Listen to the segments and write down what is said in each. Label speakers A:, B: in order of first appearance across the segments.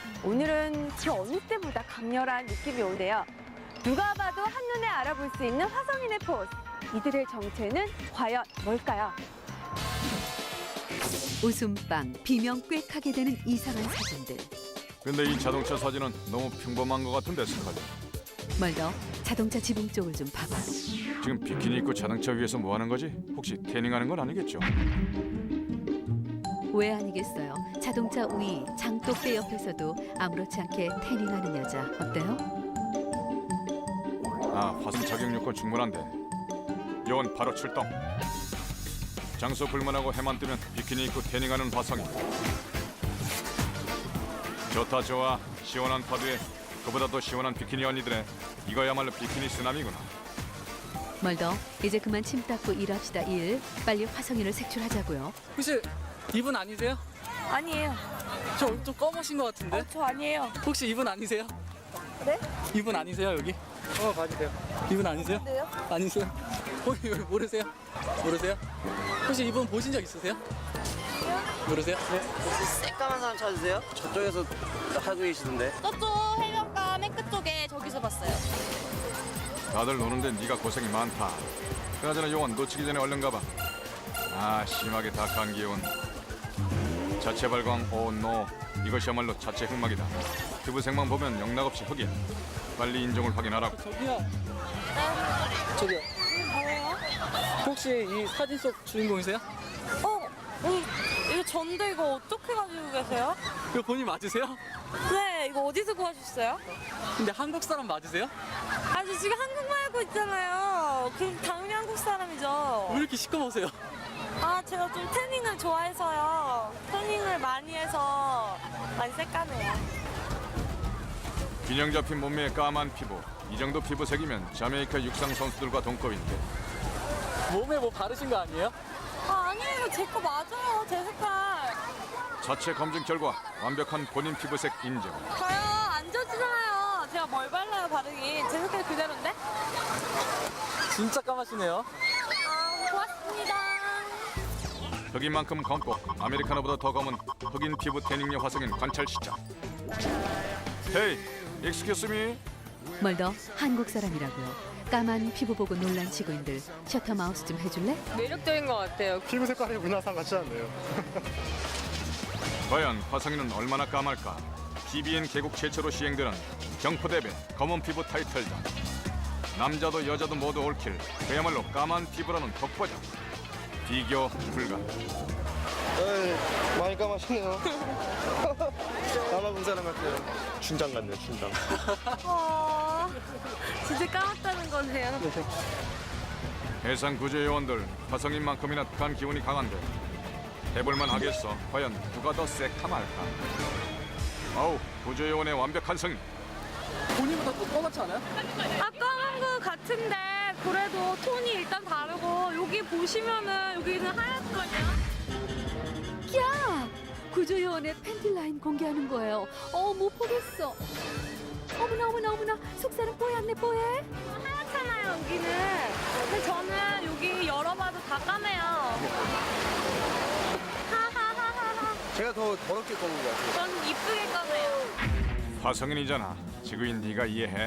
A: 오늘은 그 어느 때보다 강렬한 느낌이 오는데요. 누가 봐도 한눈에 알아볼 수 있는 화성인의 포스. 이들의 정체는 과연 뭘까요?
B: 웃음빵, 비명 꽥하게 되는 이상한 사진들.
C: 근데 이 자동차 사진은 너무 평범한 것 같은데, 스칼리.
B: 멀더 자동차 지붕 쪽을 좀 봐봐.
C: 지금 비키니 입고 자동차 위에서 뭐 하는 거지? 혹시 태닝하는 건 아니겠죠?
B: 왜 아니겠어요? 자동차 위 장독대 옆에서도 아무렇지 않게 태닝하는 여자 어때요?
C: 아, 화성 자격 요건 충분한데. 요원 바로 출동. 장소 불문하고 해만 뜨면 비키니 입고 태닝하는 화성인. 좋다 좋아. 시원한 파도에 그보다 더 시원한 비키니 언니들의 이거야말로 비키니 쓰나미구나.
B: 멀더 이제 그만 침 닦고 일합시다 일. 빨리 화성인을 색출하자고요.
D: 혹시 이분 아니세요?
A: 아니에요.
D: 저 얼굴 좀 검으신 것 같은데?
A: 저 아니에요.
D: 혹시 이분 아니세요?
A: 네?
D: 이분 아니세요 여기? 봐주세요. 이분 아니세요?
A: 네요?
D: 아니세요? 혹시 모르세요? 모르세요? 혹시 이분 보신 적 있으세요? 모르세요? 네.
E: 혹시 새까만 사람 찾으세요? 저쪽에서 하고 계시던데.
F: 저쪽 해변가 맨 끝쪽에 저기서 봤어요.
C: 다들 노는데 네가 고생이 많다. 그나저나 요원 놓치기 전에 얼른 가봐. 아, 심하게 닭한 기운. 자체 발광 오노. 이것이야말로 자체 흑막이다. 피부색만 보면 영락없이 흑이야. 빨리 인종을 확인하라고.
D: 저기요. 저기요.
F: 뭐예요?
D: 혹시 이 사진 속 주인공이세요?
F: 이거 전데 이거 어떻게 가지고 계세요?
D: 이거 본인 맞으세요?
F: 네, 이거 어디서 구하셨어요?
D: 근데 한국 사람 맞으세요?
F: 아, 저 지금 한국말 하고 있잖아요. 그럼 당연히 한국 사람이죠.
D: 왜 이렇게 시커머세요?
F: 아, 제가 좀 태닝을 좋아해서요. 태닝을 많이 해서 많이 새까매요.
C: 균형 잡힌 몸매에 까만 피부. 이 정도 피부색이면 자메이카 육상 선수들과 동급인데.
D: 몸에 뭐 바르신 거 아니에요?
F: 아, 아니에요. 제 거 맞아요. 제 색깔.
C: 자체 검증 결과 완벽한 본인 피부색 인정.
F: 저요, 안 젖잖아요. 제가 뭘 발라요, 바르긴. 제 색깔 그대로인데?
D: 진짜 까마시네요.
F: 아, 고맙습니다.
C: 흑인 만큼 검고 아메리카노보다 더 검은 흑인 피부 태닝녀 화성인 관찰 시작. 헤이, excuse me.
B: 멀더 한국 사람이라고요. 까만 피부 보고 놀란 지구인들 셔터 마우스 좀 해줄래?
F: 매력적인 것 같아요.
G: 피부 색깔이 문화상 같지 않네요.
C: 과연 화성인은 얼마나 까말까? TVN 개국 최초로 시행되는 경포대회 검은 피부 타이틀전. 남자도 여자도 모두 올킬. 그야말로 까만 피부라는 독보적. 비교 불가.
G: 에이, 많이 까마시네요. 까마본 사람 같아요. 춘장 같네요, 춘장.
F: 진짜 까맣다는 거네요.
C: 해상 구조 요원들 화성인만큼이나 북한 기운이 강한데 해볼만 하겠어. 과연 누가 더 새카말까? 아우, 구조 요원의 완벽한 승리.
D: 본인보다 더 까맣지 않아요?
F: 아, 까만 거 같은데 그래도 톤이 일단 다르고 여기 보시면은 여기는 하얗거든요.
B: 야! 구조요원의 팬티 라인 공개하는 거예요. 못 보겠어. 어머나 어머나 어머나 속살은 뽀얗네 뽀해.
F: 하얗잖아요 여기는. 근데 저는 여기 열어봐도 다 까매요. 하하하하하.
G: 제가 더 더럽게 까만 것 같아요.
F: 전 이쁘게 까매요.
C: 화성인이잖아. 지구인 네가 이해해.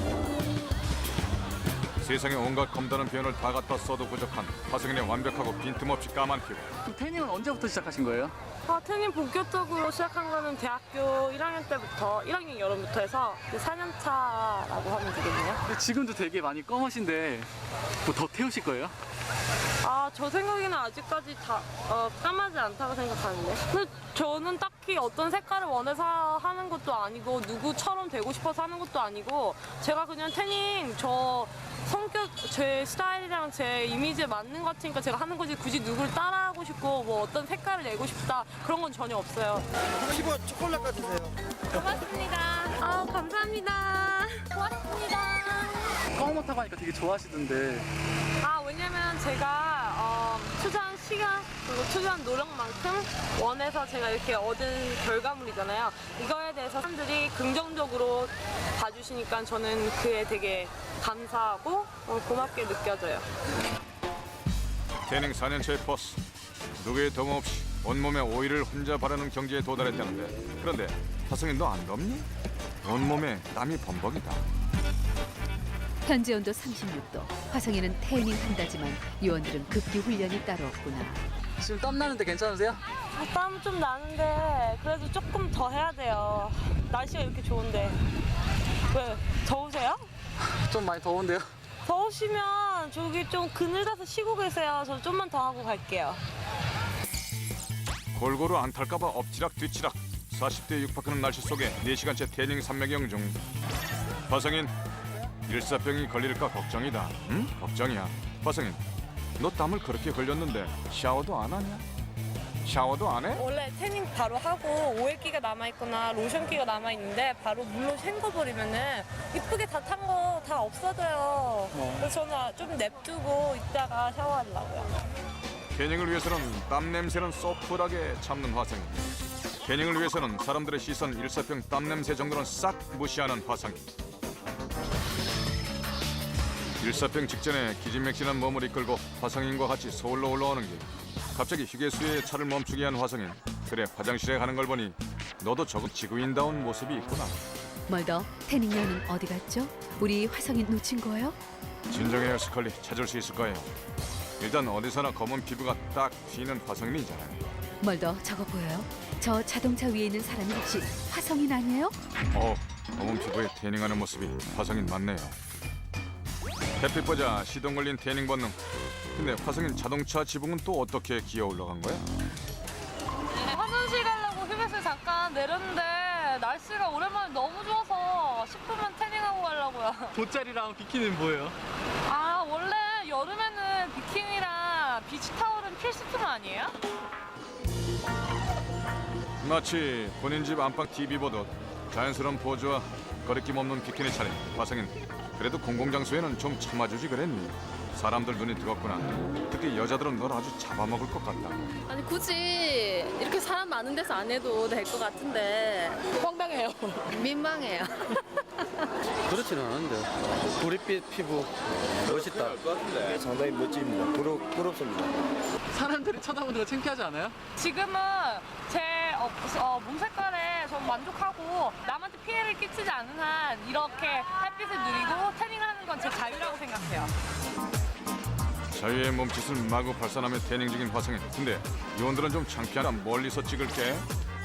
C: 세상에 온갖 검다는 표현을 다 갖다 써도 부족한 화성인의 완벽하고 빈틈없이 까만 피부.
D: 그럼 태닝은 언제부터 시작하신 거예요?
F: 아, 태닝 본격적으로 시작한 거는 대학교 1학년 때부터, 1학년 여름부터 해서 4년 차라고 하면 되겠네요.
D: 근데 지금도 되게 많이 검으신데 뭐 더 태우실 거예요?
F: 아, 저 생각에는 아직까지 다 까마지 않다고 생각하는데. 근데 저는 딱히 어떤 색깔을 원해서 하는 것도 아니고 누구처럼 되고 싶어서 하는 것도 아니고 제가 그냥 태닝 저 성격, 제 스타일이랑 제 이미지에 맞는 것 같으니까 제가 하는 거지 굳이 누굴 따라하고 싶고 뭐 어떤 색깔을 내고 싶다 그런 건 전혀 없어요.
G: 피부 초콜릿 같으세요.
F: 고맙습니다. 아, 감사합니다. 고맙습니다.
D: 까맣다고 하니까 되게 좋아하시던데.
F: 아, 왜냐면 제가 투자한 시간 그리고 투자한 노력만큼 원해서 제가 이렇게 얻은 결과물이잖아요. 이거에 대해서 사람들이 긍정적으로 봐주시니까 저는 그에 되게 감사하고 고맙게 느껴져요.
C: 태닝 4년차의 버스. 누구의 도움 없이 온몸에 오일을 혼자 바르는 경지에 도달했다는데, 그런데 화성인 너 안 덥니? 온몸에 땀이 범벅이다.
B: 현재 온도 36도. 화성인은 태닝 한다지만 요원들은 급기 훈련이 따로 없구나.
D: 지금 땀 나는데 괜찮으세요?
F: 땀 좀 나는데 그래도 조금 더 해야 돼요. 날씨가 이렇게 좋은데. 왜? 더우세요?
D: 좀 많이 더운데요.
F: 더우시면 저기 좀 그늘 가서 쉬고 계세요. 저 좀만 더 하고 갈게요.
C: 골고루 안 탈까봐 엎치락 뒤치락 40대 육박하는 날씨 속에 4시간째 태닝 삼매경 중. 화성인 일사병이 걸릴까 걱정이다. 응? 걱정이야. 화성인 너 땀을 그렇게 흘렸는데 샤워도 안 하냐? 샤워도 안 해?
F: 원래 태닝 바로 하고 오일기가 남아있거나 로션기가 남아있는데 바로 물로 헹궈버리면은 이쁘게 다 탄 거 다 없어져요. 그래서 저는 좀 냅두고 이따가 샤워하려고요.
C: 태닝을 위해서는 땀 냄새는 쏘풀하게 참는 화성인. 태닝을 위해서는 사람들의 시선 일사병 땀 냄새 정도는 싹 무시하는 화성인. 일사병 직전에 기진맥진한 몸을 이끌고 화성인과 같이 서울로 올라오는 길. 갑자기 휴게소에 차를 멈추게 한 화성인. 그래 화장실에 가는 걸 보니 너도 조금 지구인다운 모습이 있구나.
B: 멀더, 태닝녀는 어디 갔죠? 우리 화성인 놓친 거예요?
C: 진정해요 스컬리. 찾을 수 있을 거예요. 일단 어디서나 검은 피부가 딱 튀는 화성인이잖아요.
B: 멀더, 저거 보여요? 저 자동차 위에 있는 사람이 혹시 화성인 아니에요?
C: 검은 피부에 태닝하는 모습이 화성인 맞네요. 햇빛 보자 시동 걸린 태닝 본능. 근데 화성인 자동차 지붕은 또 어떻게 기어 올라간 거야?
F: 화장실 가려고 휴게소에 잠깐 내렸는데 날씨가 오랜만에 너무 좋아서 10분만 태닝하고 가려고요.
D: 돗자리랑 비키니는 뭐예요?
F: 아 원래 여름에는 비키니랑 비치타월은 필수품 아니에요?
C: 마치 본인 집 안방 TV 보듯 자연스러운 포즈와 거리낌 없는 비키니 차림. 화성인 그래도 공공장소에는 좀 참아주지 그랬니? 사람들 눈이 뜨겁구나. 특히 여자들은 널 아주 잡아먹을 것 같다.
F: 아니 굳이 이렇게 사람 많은 데서 안 해도 될 것 같은데 황당해요. 민망해요.
E: 그렇지는 않은데. 구릿빛 피부 멋있다.
G: 상당히 멋집니다. 부럽습니다.
D: 사람들이 쳐다보는 거 창피하지 않아요?
F: 지금은 제 몸 색깔에 전 만족하고 남한테 피해를 끼치지 않는 한 이렇게 햇빛을 누리고 태닝하는 건 제 자유라고 생각해요.
C: 자유의 몸짓을 마구 발산하며 태닝 중인 화성인. 근데 요원들은 좀 창피하다. 멀리서 찍을게.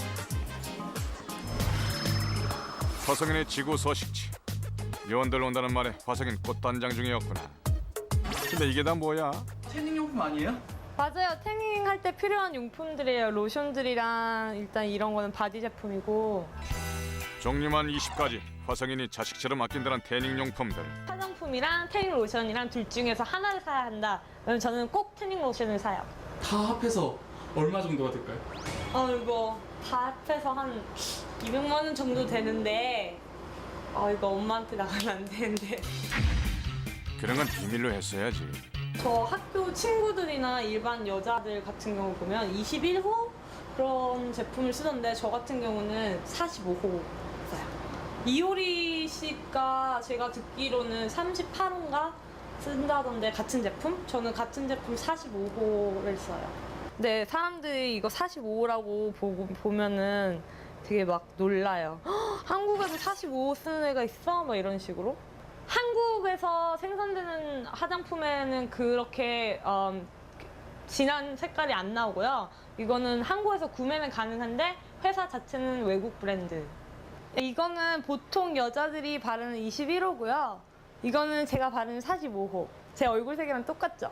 C: 화성인의 지구 서식지. 요원들 온다는 말에 화성인 꽃단장 중이었구나. 근데 이게 다 뭐야?
D: 태닝용품 아니에요?
F: 맞아요. 태닝 할 때 필요한 용품들이에요. 로션들이랑 일단 이런 거는 바디 제품이고
C: 종류만 20가지. 화성인이 자식처럼 아낀다는 태닝 용품들.
F: 화장품이랑 태닝 로션이랑 둘 중에서 하나를 사야 한다. 그럼 저는 꼭 태닝 로션을 사요.
D: 다 합해서 얼마 정도가 될까요?
F: 이거 다 합해서 한 200만 원 정도 되는데 이거 엄마한테 나가면 안 되는데
C: 그런 건 비밀로 했어야지.
F: 저 학교 친구들이나 일반 여자들 같은 경우 보면 21호 그런 제품을 쓰던데 저 같은 경우는 45호 써요. 이효리 씨가 제가 듣기로는 38호인가 쓴다던데 같은 제품? 저는 같은 제품 45호를 써요. 네, 사람들이 이거 45호라고 보면은 되게 막 놀라요. "헉, 한국에도 45호 쓰는 애가 있어? 막 이런 식으로. 한국에서 생산되는 화장품에는 그렇게 진한 색깔이 안 나오고요. 이거는 한국에서 구매는 가능한데 회사 자체는 외국 브랜드. 이거는 보통 여자들이 바르는 21호고요. 이거는 제가 바르는 45호. 제 얼굴색이랑 똑같죠?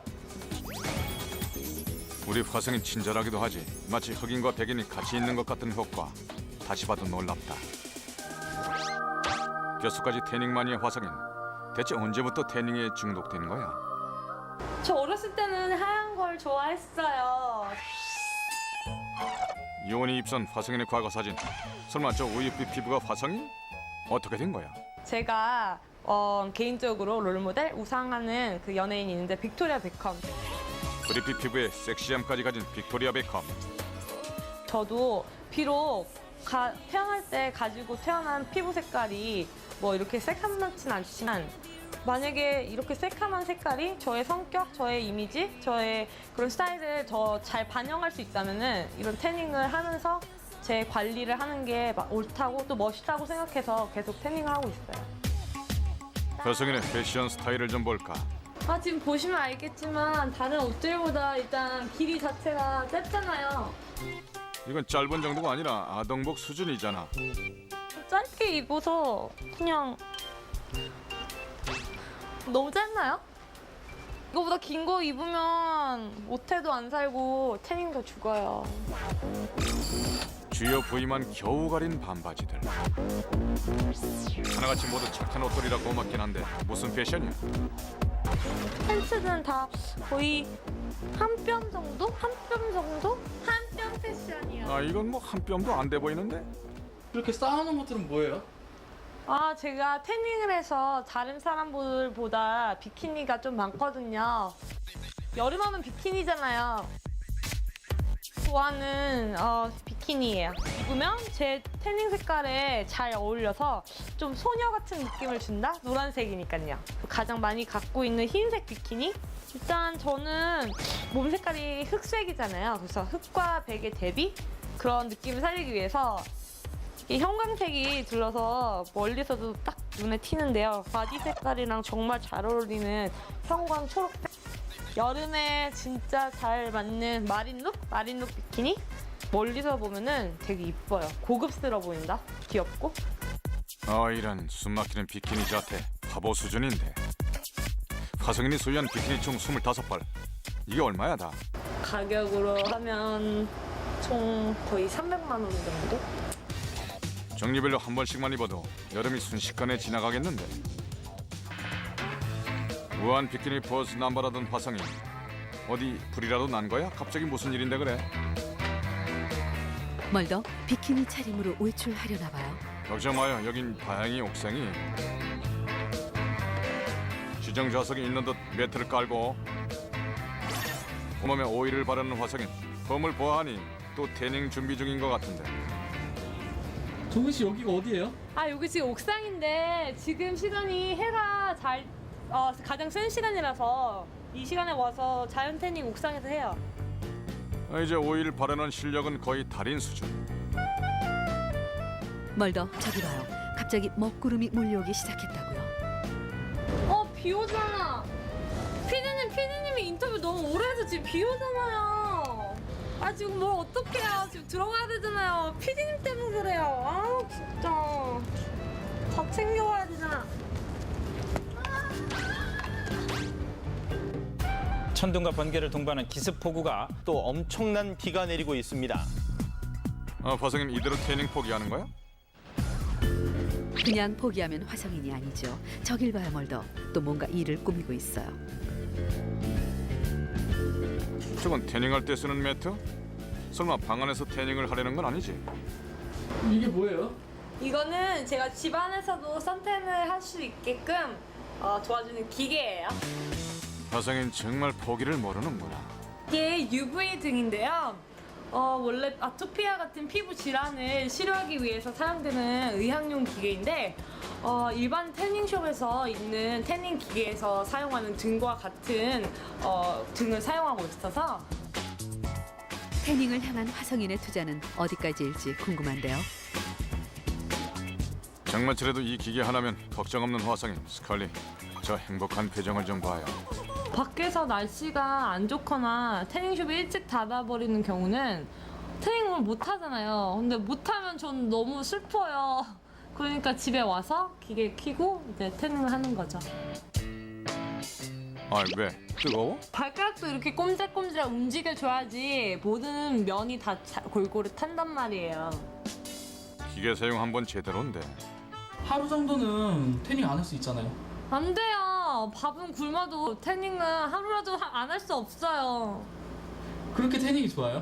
C: 우리 화성인 친절하기도 하지. 마치 흑인과 백인이 같이 있는 것 같은 효과. 다시 봐도 놀랍다. 뼛속까지 태닝 마니아 화성인. 대체 언제부터 태닝에 중독된 거야?
F: 저 어렸을 때는 하얀 걸 좋아했어요.
C: 요원이 입선 화성인의 과거 사진. 설마 저 우유빛 피부가 화성인? 어떻게 된 거야?
F: 제가 개인적으로 롤모델 우상하는 그 연예인이 있는데 빅토리아 베컴.
C: 그리피 피부에 섹시함까지 가진 빅토리아 베컴.
F: 저도 비록 태어날 때 가지고 태어난 피부 색깔이 뭐 이렇게 새카맣진 않지만 만약에 이렇게 새카만 색깔이 저의 성격, 저의 이미지, 저의 그런 스타일을 더 잘 반영할 수 있다면은 이런 태닝을 하면서 제 관리를 하는 게 옳다고 또 멋있다고 생각해서 계속 태닝을 하고 있어요.
C: 화성인의 패션 스타일을 좀 볼까?
F: 지금 보시면 알겠지만 다른 옷들보다 일단 길이 자체가 짧잖아요.
C: 이건 짧은 정도가 아니라 아동복 수준이잖아.
F: 짧게 입어서 그냥 너무 짧나요? 이거보다 긴 거 입으면 모태도 안 살고 태닝도 죽어요.
C: 주요 부위만 겨우 가린 반바지들. 하나같이 모두 착한 옷들이라 고맙긴 한데 무슨 패션이야?
F: 팬츠는 다 거의 한 뼘 정도? 한 뼘 정도? 한 뼘 패션이요.
C: 아 이건 뭐 한 뼘도 안 돼 보이는데?
D: 이렇게 쌓아놓은 것들은 뭐예요?
F: 제가 태닝을 해서 다른 사람들보다 비키니가 좀 많거든요. 여름하면 비키니잖아요. 좋아하는 비키니예요. 입으면 제 태닝 색깔에 잘 어울려서 좀 소녀 같은 느낌을 준다? 노란색이니까요. 가장 많이 갖고 있는 흰색 비키니? 일단 저는 몸 색깔이 흑색이잖아요. 그래서 흑과 백의 대비? 그런 느낌을 살리기 위해서 이 형광색이 둘러서 멀리서도 딱 눈에 튀는데요. 바디 색깔이랑 정말 잘 어울리는 형광 초록색. 여름에 진짜 잘 맞는 마린룩 비키니? 멀리서 보면은 되게 이뻐요. 고급스러워 보인다. 귀엽고.
C: 이런 숨막히는 비키니 자태 바보 수준인데. 화성인이 소유한 비키니 총 25벌. 이게 얼마야 다?
F: 가격으로 하면 총 거의 300만 원 정도?
C: 종류별로 한 번씩만 입어도 여름이 순식간에 지나가겠는데. 무한 비키니 포즈 남발하던 화성인. 어디 불이라도 난 거야? 갑자기 무슨 일인데 그래?
B: 멀더 비키니 차림으로 외출하려나 봐요.
C: 걱정 마요. 여긴 다행히 옥상이. 지정 좌석이 있는 듯 매트를 깔고 온몸에 오일을 바르는 화성인. 봄을 보아하니 또 태닝 준비 중인 것 같은데.
D: 종근 씨 여기가 어디예요?
F: 여기 지금 옥상인데 지금 시간이 해가 가장 센 시간이라서 이 시간에 와서 자연 태닝 옥상에서 해요.
C: 이제 오일 바르는 실력은 거의 달인 수준.
B: 멀더 저기 봐요. 갑자기 먹구름이 몰려오기 시작했다고요.
F: 비 오잖아. 피디님이 인터뷰 너무 오래 해서 지금 비 오잖아요. 지금 뭘 어떡해요. 지금 들어가야 되잖아요. 피디님 때문에 그래요. 진짜. 다 챙겨와야 되잖아.
H: 천둥과 번개를 동반한 기습폭우가
G: 또 엄청난 비가 내리고 있습니다.
C: 화성인 이대로 태닝 포기하는 거야?
B: 그냥 포기하면 화성인이 아니죠. 저길 봐요 멀더. 또 뭔가 일을 꾸미고 있어요.
C: 저건 태닝할 때 쓰는 매트? 설마 방 안에서 태닝을 하려는 건 아니지?
D: 이게 뭐예요?
F: 이거는 제가 집 안에서도 선탠을 할 수 있게끔 도와주는 기계예요.
C: 화성인 정말 포기를 모르는구나.
F: 이게 UV 등인데요. 원래 아토피아 같은 피부 질환을 치료하기 위해서 사용되는 의학용 기계인데 일반 태닝숍에서 있는 태닝 기계에서 사용하는 등과 같은 등을 사용하고 있어서
B: 태닝을 향한 화성인의 투자는 어디까지일지 궁금한데요.
C: 장마철에도 이 기계 하나면 걱정 없는 화성인. 스칼리, 저 행복한 표정을 좀 봐요.
F: 밖에서 날씨가 안 좋거나 태닝숍이 일찍 닫아버리는 경우는 태닝을 못 하잖아요. 근데 못 하면 전 너무 슬퍼요. 그러니까 집에 와서 기계 켜고 이제 태닝을 하는 거죠.
C: 왜? 뜨거워?
F: 발가락도 이렇게 꼼질꼼질 움직여줘야지 모든 면이 다 골고루 탄단 말이에요.
C: 기계 사용 한번 제대로인데.
D: 하루 정도는 태닝 안 할 수 있잖아요.
F: 안 돼요. 밥은 굶어도 태닝은 하루라도 안 할 수 없어요.
D: 그렇게 태닝이 좋아요?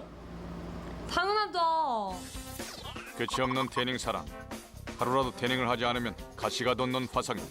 F: 당연하죠.
C: 끝이 없는 태닝 사랑. 하루라도 태닝을 하지 않으면 가시가 돋는 화성인.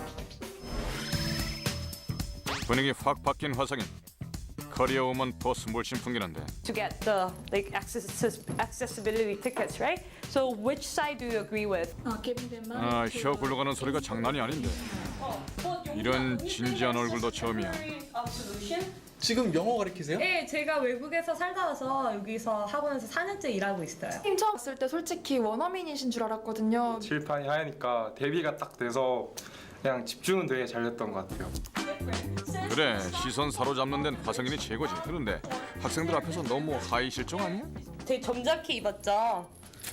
C: 분위기 확 바뀐 화성인. 커리어 우먼 포스 물씬 풍기는데.
F: To get the accessibility tickets, right? So which side do you agree with?
C: 혀 굴러가는 소리가 장난이 아닌데. 이런 진지한 얼굴도 처음이야.
D: 지금 영어 가르치세요?
F: 네, 제가 외국에서 살다 와서 여기서 학원에서 4년째 일하고 있어요.
I: 팀 처음 봤을 때 솔직히 원어민이신 줄 알았거든요.
J: 칠판이 하얘니까 대비가 딱 돼서 그냥 집중은 되게 잘 됐던 것 같아요.
C: 그래, 시선 사로잡는 데는 화성인이 최고지. 그런데 학생들 앞에서 너무 하이 실종 아니야?
F: 되게 점잖게 입었죠?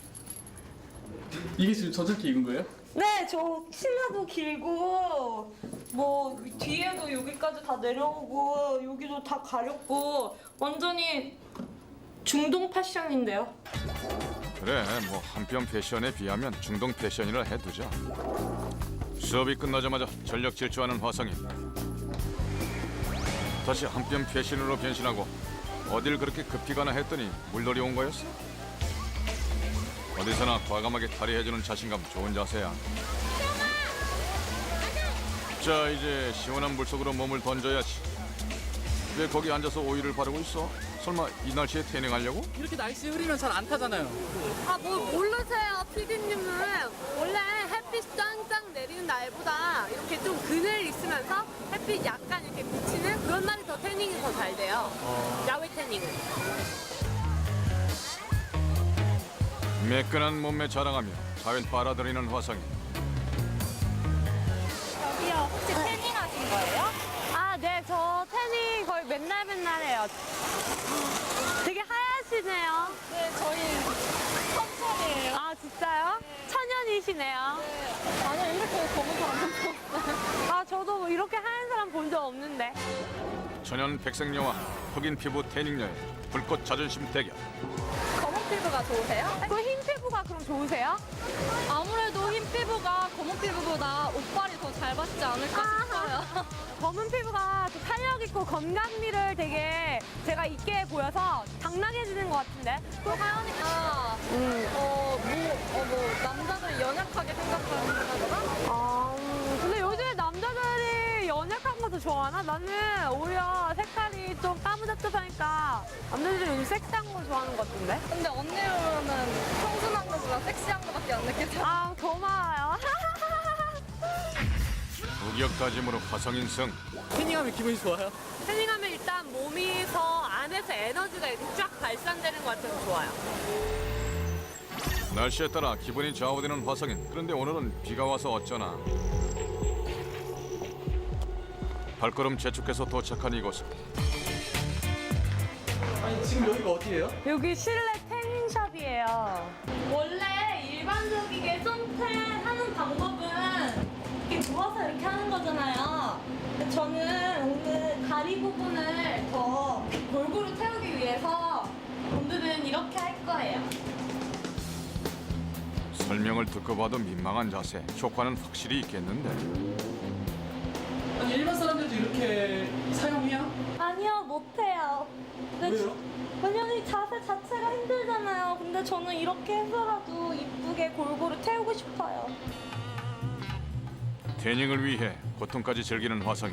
D: 이게 지금 저렇게 입은 거예요?
F: 네, 저 치마도 길고 뭐 뒤에도 여기까지 다 내려오고 여기도 다 가렸고 완전히 중동 패션인데요.
C: 그래, 뭐 한편 패션에 비하면 중동 패션이라 해두자. 수업이 끝나자마자 전력 질주하는 화성인. 다시 한편 패션으로 변신하고 어딜 그렇게 급히 가나 했더니 물놀이 온 거였어? 어디서나 과감하게 탈의해주는 자신감 좋은 자세야. 자, 이제 시원한 물속으로 몸을 던져야지. 왜 거기 앉아서 오일을 바르고 있어? 설마 이 날씨에 태닝하려고?
D: 이렇게 날씨 흐리면 잘 안 타잖아요.
B: 아, 뭐 모르세요, 피디님은. 원래 햇빛 짱짱 내리는 날보다 이렇게 좀 그늘 있으면서 햇빛 약간 이렇게 비치는 그런 날이 더 태닝이 더 잘 돼요. 야외 태닝은.
C: 매끈한 몸매 자랑하며 자연 빨아들이는 화성인.
F: 저기요, 혹시 태닝 하신 거예요?
A: 아, 네, 저 태닝 거의 맨날 해요. 되게 하얗시네요.
F: 네, 저희 천천이에요.
A: 아, 진짜요? 천연이시네요.
F: 아니요, 이렇게 검은 사람
A: 아, 저도 뭐 이렇게 하얀 사람 본 적 없는데.
C: 천연 백색 여왕, 흑인 피부 태닝 여행, 불꽃 자존심 대결.
F: 검은 피부가 좋으세요?
A: 그 흰 피부가 그럼 좋으세요?
F: 아무래도 흰 피부가 검은 피부보다 옷빨이 더 잘 받지 않을까 싶어요.
A: 검은 피부가 또 탄력 있고 건강미를 되게 제가 있게 보여서 당당해지는 것 같은데.
F: 또 하연이가 뭐 남자들 연약하게 생각하는
A: 근데 요즘에 남자들이 연약한 것도 좋아하나? 나는 오히려 색깔이 좀 까무잡잡하니까 남자들이 요즘 섹시한 거 좋아하는 것 같은데.
F: 근데 언니로는 청순한 것보다 섹시한 것밖에 안 느껴져.
A: 아, 고마워요.
C: 무격다짐으로 화성인 승.
D: 태닝하면 기분이 좋아요?
B: 태닝하면 일단 몸이 더 안에서 에너지가 이렇게 쫙 발산되는 것 같아서 좋아요.
C: 날씨에 따라 기분이 좌우되는 화성인. 그런데 오늘은 비가 와서 어쩌나. 발걸음 재촉해서 도착한 이곳은
D: 아니 지금 여기가 어디예요?
A: 여기 실내 태닝샵이에요.
F: 원래 일반적이게 선탠 하는 방법은 이렇게 누워서 이렇게 하는 거잖아요. 근데 저는 오늘 다리 부분을 더 골고루 태우기 위해서 오늘은 이렇게 할 거예요.
C: 설명을 듣고 봐도 민망한 자세. 효과는 확실히 있겠는데.
D: 아니 일반 사람들도 이렇게 사용해요?
F: 아니요, 못해요.
D: 왜요?
F: 왜냐면 이 자세 자체가 힘들잖아요. 근데 저는 이렇게 해서라도 이쁘게 골고루 태우고 싶어요.
C: 태닝을 위해 고통까지 즐기는 화성인.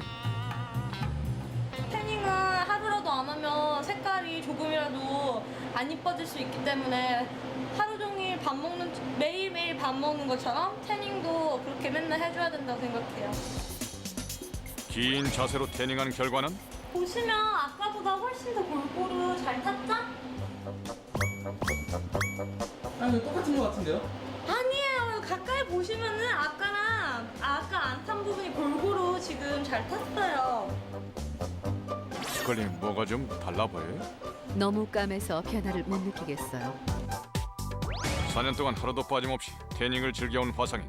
F: 태닝은 하루라도 안 하면 색깔이 조금이라도 안 이뻐질 수 있기 때문에 하루 종일 매일매일 밥 먹는 것처럼 태닝도 그렇게 맨날 해줘야 된다고 생각해요.
C: 긴 자세로 태닝한 결과는
F: 보시면 아까보다 훨씬 더 골고루 잘 탔죠?
D: 아니 똑같은 것 같은데요?
F: 아니에요. 가까이 보시면은 아까랑 아까 안 탄 부분이 골고루 지금 잘 탔어요.
C: 스컬님 뭐가 좀 달라 보여요?
B: 너무 까매서 변화를 못 느끼겠어요.
C: 4년 동안 하루도 빠짐없이 태닝을 즐겨온 화성인.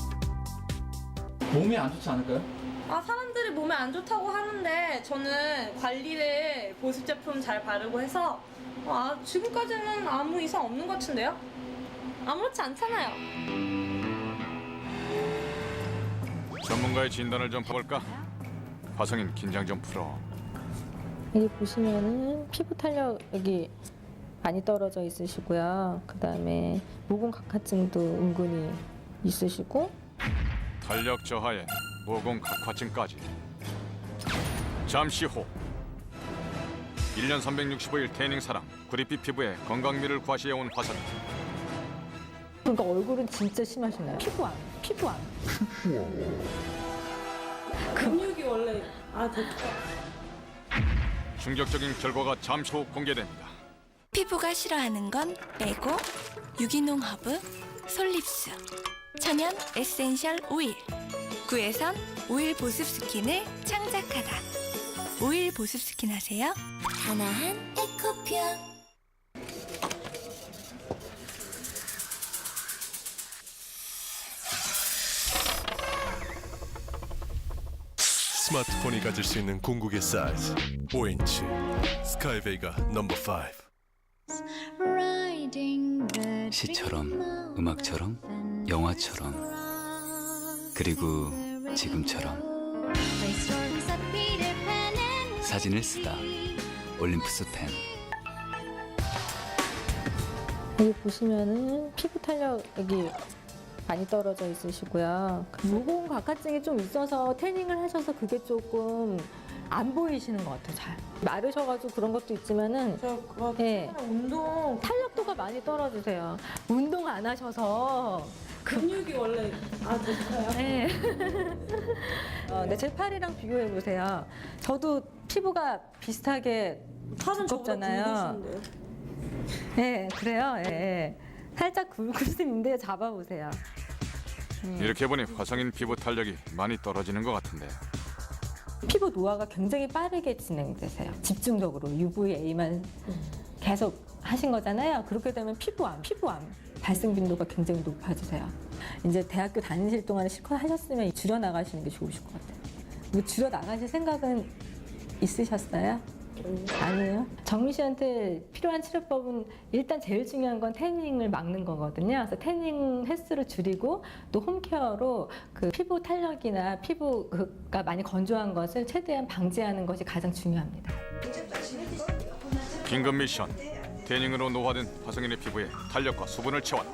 D: 몸에 안 좋지 않을까요?
F: 사람들이 몸에 안 좋다고 하는데 저는 관리를 보습 제품 잘 바르고 해서 지금까지는 아무 이상 없는 것 같은데요? 아무렇지 않잖아요.
C: 전문가의 진단을 좀 봐볼까? 화성인 긴장 좀 풀어.
K: 여기 보시면은 피부 탄력이 많이 떨어져 있으시고요. 그다음에 모공 각화증도 은근히 있으시고
C: 탄력 저하에 모공 각화증까지. 잠시 후 1년 365일 태닝 사랑 구릿빛 피부에 건강미를 과시해온 화성인.
K: 그러니까 얼굴은 진짜 심하시나요? 피부암.
F: 근육이 원래
C: 충격적인 결과가 잠시 후 공개됩니다.
L: 피부가 싫어하는 건 빼고 유기농 허브 솔립스 천연 에센셜 오일 구에선 오일 보습 스킨을 창작하다 오일 보습 스킨 하세요. 하나한 에코평.
M: 스마트폰이 가질 수 있는 궁극의 사이즈 5인치 스카이베이가 넘버 5.
N: 시처럼 음악처럼 영화처럼 그리고 지금처럼 사진을 쓰다 올림푸스 펜.
K: 여기 보시면은 피부 탄력이 많이 떨어져 있으시고요. 모공 각화증이 좀 있어서 태닝을 하셔서 그게 조금 안 보이시는 것 같아요. 잘 마르셔가지고 그런 것도 있지만은 예,
F: 운동
K: 탄력도가 많이 떨어지세요. 운동 안 하셔서
F: 근육이 원래 됐어요.
K: 네. 근데 제 팔이랑 비교해 보세요. 저도 피부가 비슷하게 두껍잖아요. 네, 그래요. 예. 살짝 굵을 수 있는데 잡아보세요.
C: 이렇게 보니 화성인 피부 탄력이 많이 떨어지는 것 같은데.
K: 피부 노화가 굉장히 빠르게 진행되세요. 집중적으로 UVA만 계속 하신 거잖아요. 그렇게 되면 피부암 발생 빈도가 굉장히 높아지세요. 이제 대학교 다니실 동안에 실컷 하셨으면 줄여 나가시는 게 좋으실 것 같아요. 뭐 줄여 나가실 생각은 있으셨어요? 아니에요. 정미 씨한테 필요한 치료법은 일단 제일 중요한 건 태닝을 막는 거거든요. 그래서 태닝 횟수를 줄이고 또 홈케어로 그 피부 탄력이나 피부가 많이 건조한 것을 최대한 방지하는 것이 가장 중요합니다.
C: 긴급 미션. 태닝으로 노화된 화성인의 피부에 탄력과 수분을 채웠다.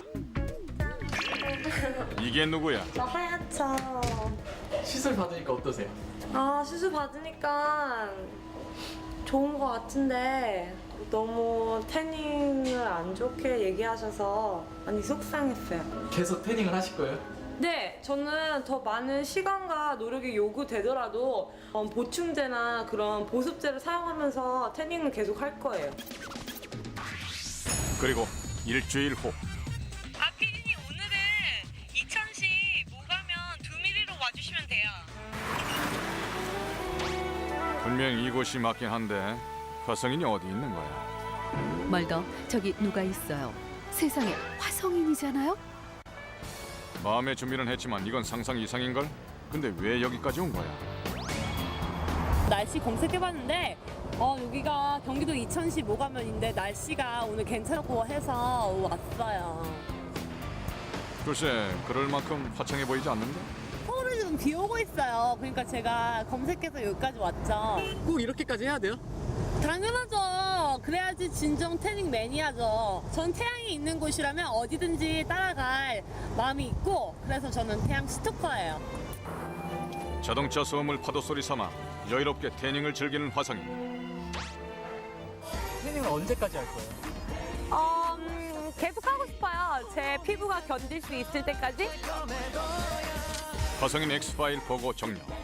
C: 이게 누구야?
F: 나 하얗죠.
D: 시술 받으니까 어떠세요?
F: 시술 받으니까 좋은 것 같은데 너무 태닝을 안 좋게 얘기하셔서 많이 속상했어요.
D: 계속 태닝을 하실 거예요?
F: 네, 저는 더 많은 시간과 노력이 요구되더라도 보충제나 그런 보습제를 사용하면서 태닝을 계속 할 거예요.
C: 그리고 일주일 후.
F: 피디님 오늘은 이천시 모가면 2mm로 와주시면 돼요.
C: 분명 이곳이 맞긴 한데 화성인이 어디 있는 거야?
A: 멀더 저기 누가 있어요. 세상에 화성인이잖아요.
C: 마음의 준비는 했지만 이건 상상 이상인걸? 근데 왜 여기까지 온 거야?
B: 날씨 검색해봤는데 여기가 경기도 이천시 모가면인데 날씨가 오늘 괜찮고 해서 왔어요.
C: 글쎄 그럴 만큼 화창해 보이지 않는데?
B: 서울은 지금 비 오고 있어요. 그러니까 제가 검색해서 여기까지 왔죠.
D: 꼭 이렇게까지 해야 돼요?
B: 당연하죠. 그래야지 진정 태닝 매니아죠. 전 태양이 있는 곳이라면 어디든지 따라갈 마음이 있고 그래서 저는 태양 스토커예요.
C: 자동차 소음을 파도 소리 삼아 여유롭게 태닝을 즐기는 화성인.
D: 태닝을 언제까지 할 거예요?
B: 계속 하고 싶어요. 제 피부가 견딜 수 있을 때까지.
C: 화성인 엑스파일 보고 종료.